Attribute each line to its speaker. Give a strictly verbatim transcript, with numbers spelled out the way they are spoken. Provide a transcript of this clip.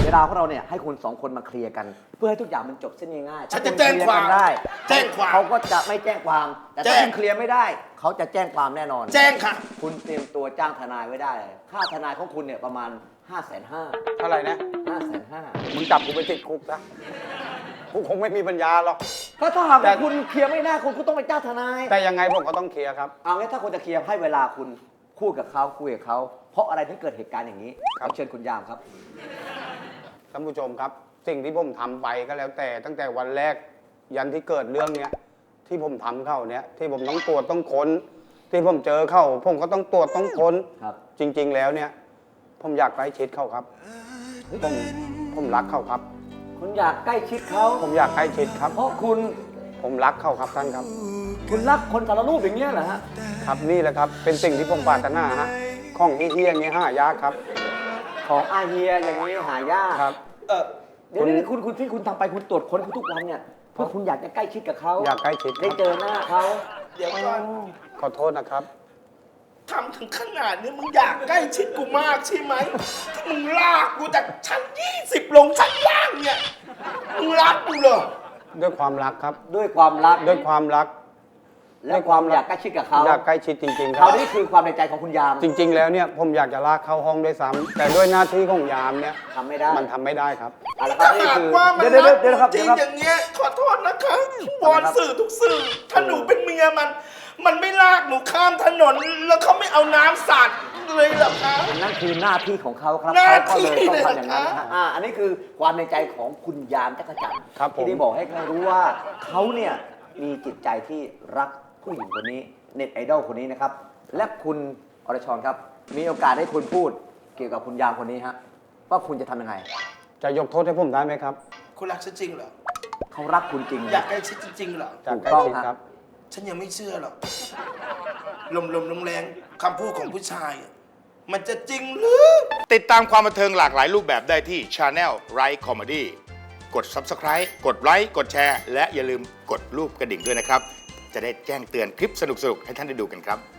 Speaker 1: เวลาของเราเนี่ยให้คุณสองคนมาเคลียร์กัน เพื่อให้ทุกอย่างมันจบเส้นง่ายๆ
Speaker 2: ฉันจะแจ้งความ
Speaker 1: ได้
Speaker 2: แจ้งความ
Speaker 1: เขาก็จะไม่แจ้งความ แต่
Speaker 2: แจ้
Speaker 1: ถ้าง คุณเคลียร์ไม่ได้ เขาจะแจ้งความแน่นอน
Speaker 2: แจ้งค่ะ
Speaker 1: คุณเตรียมตัวจ้างทนายไว้ได้เลยค่าทนายของคุณเนี่ยประมาณห้าแสนห้า
Speaker 3: เท่าไหร่นะ
Speaker 1: ห้าแสนห้า
Speaker 3: มึงจับกูไปติดคุกซะกูคงไม่มีปัญญาหรอก
Speaker 1: ก็ถ้าหาก
Speaker 3: แต่
Speaker 1: ว่าคุณเคลียร์ไม่ได้คุณก็ต้องไปจ้างทนาย
Speaker 3: แต่ยังไงผมก็ต้องเคลียร์ครับ
Speaker 1: เอางี้ถ้าคุณจะเคลียร์ให้เวลาคุณพูดกับเขาคุยกับเขาเพราะอะไรถึงเกิดเหตุการณ์อย่างนี้
Speaker 3: ครับ
Speaker 1: ขอเชิญคุณยามครับ
Speaker 3: ท่านผู้ชมครับ สิ่งที่ผมทำไปก็แล้วแต่ตั้งแต่วันแรกยันที่เกิดเรื่องเนี้ยที่ผมทำเข้าเนี้ยที่ผมต้องตรวจต้องค้น ที่ผมเจอเข้า ผมก็ต้องตรวจต้องค้น
Speaker 1: ครับ
Speaker 3: จริง ๆ แล้วเนี่ยผมอยากใกล้ชิดเขาครับผมผมรักเขาครับ
Speaker 1: คุณอยากใกล้ชิดเขา
Speaker 3: ผมอยากใกล้ชิดครับ
Speaker 1: เพราะคุณ
Speaker 3: ผมรักเขาครับท่านครับ
Speaker 1: คุณรักคนสารรูปอย่างเงี้ยเหรอฮะ
Speaker 3: ครับนี่แหละครับเป็นสิ่งที่ผมปรารถนาฮะของเฮี้ยๆอย่างเงี้ยห้ายากครับ
Speaker 1: ของอาเฮียอย่างนี้หายาก
Speaker 3: ครับ
Speaker 2: เออ
Speaker 1: เดี๋ยวนี้คุณคุณที่คุณทำไปคุณตรวจค้นเขาทุกวันเนี่ยเพื่อคุณอยากจะใกล้ชิดกับเขา
Speaker 3: อยากใกล้ชิดค
Speaker 1: ได้
Speaker 3: รับ
Speaker 1: เจอหน้าเขา
Speaker 2: เดี๋ยวก่อน
Speaker 3: ขอโทษนะครับ
Speaker 2: ทำถึงขนาดนี้มึงอยากใกล้ชิดกูมากใช่ไหมที่มึงลากกูจากชั้นยี่สิบลงชั้นล่างเนี่ยมึงรักกูเหรอ
Speaker 3: ด้วยความรักครับ
Speaker 1: ด้วยความรัก
Speaker 3: ด้วยความรัก
Speaker 1: และความอยากใกล้ชิดกับเขา
Speaker 3: อยากใกล้ชิดจริงๆค
Speaker 1: เขา
Speaker 3: รับ
Speaker 1: นี่คือความในใจของคุณยาม
Speaker 3: จริง ๆ แล้วเนี่ยผมอยากจะลากเข้าห้องด้วยซ้ำแต่ด้วยหน้าที่ของยามเนี่ย
Speaker 1: ทำไม่ได้
Speaker 3: มันทำไม่ได้ครับ
Speaker 1: เอาละครับ
Speaker 2: ถ้า
Speaker 1: นี่
Speaker 2: หาก
Speaker 1: คือ
Speaker 2: ว่ามัน
Speaker 1: เดี๋ยว
Speaker 2: รั
Speaker 1: เดี๋ยว
Speaker 2: ก
Speaker 1: เดี๋ยวนะครับ
Speaker 2: จริ
Speaker 1: เดี๋ยวครับ
Speaker 2: งอย่างเงี้ยขอโทษนะคะวอนสื่อทุกสื่อถ้าหนูเป็นเมียมัน มันไม่ลากหนูข้ามถนนแล้วเขาไม่เอาน้ำสาดเลยเหรอคะ
Speaker 1: นั่นคือหน้าที่ของเขาครับ
Speaker 2: หน้า
Speaker 1: เขาก็เลย
Speaker 2: ที่
Speaker 1: ต้องทำอย่างนั้น
Speaker 2: เลย
Speaker 1: นะ
Speaker 2: เหรอ
Speaker 1: ฮะ
Speaker 2: คะ
Speaker 1: อ่าอันนี้คือความในใจของคุณยามจักรจันทร์
Speaker 3: ครับผม
Speaker 1: ที่ได้บอกให้เขารู้ว่าเขาเนี่ยมีจิตใจที่รักผู้หญิงคนนี้เน็ตไอดอลคนนี้นะครับ และคุณอรชรครับ มีโอกาสได้คุณพูดเกี่ยวกับคุณยามคนนี้ฮะว่าคุณจะทำยังไง
Speaker 3: จะยกโทษให้ผมได้ไหมครับ
Speaker 2: คุณรักฉันจริงเหรอ
Speaker 1: เขารักคุณจริง
Speaker 2: อยากใกล้ชิดจริงๆเหรอ
Speaker 3: จาก
Speaker 1: ถูก
Speaker 3: ใกล้
Speaker 1: ต้อง
Speaker 3: ชิด
Speaker 1: ฮะ
Speaker 3: ครับ
Speaker 2: ฉันยังไม่เชื่อหรอกลมลมลมแรงคำพูดของผู้ชายอะมันจะจริงหรือ
Speaker 4: ติดตามความบันเทิงหลากหลายรูปแบบได้ที่ Channel Right Comedy กด Subscribe กดไลค์กดแชร์ และอย่าลืมกดรูปกระดิ่งด้วยนะครับ จะได้แจ้งเตือนคลิปสนุกๆ ให้ท่านได้ดูกันครับ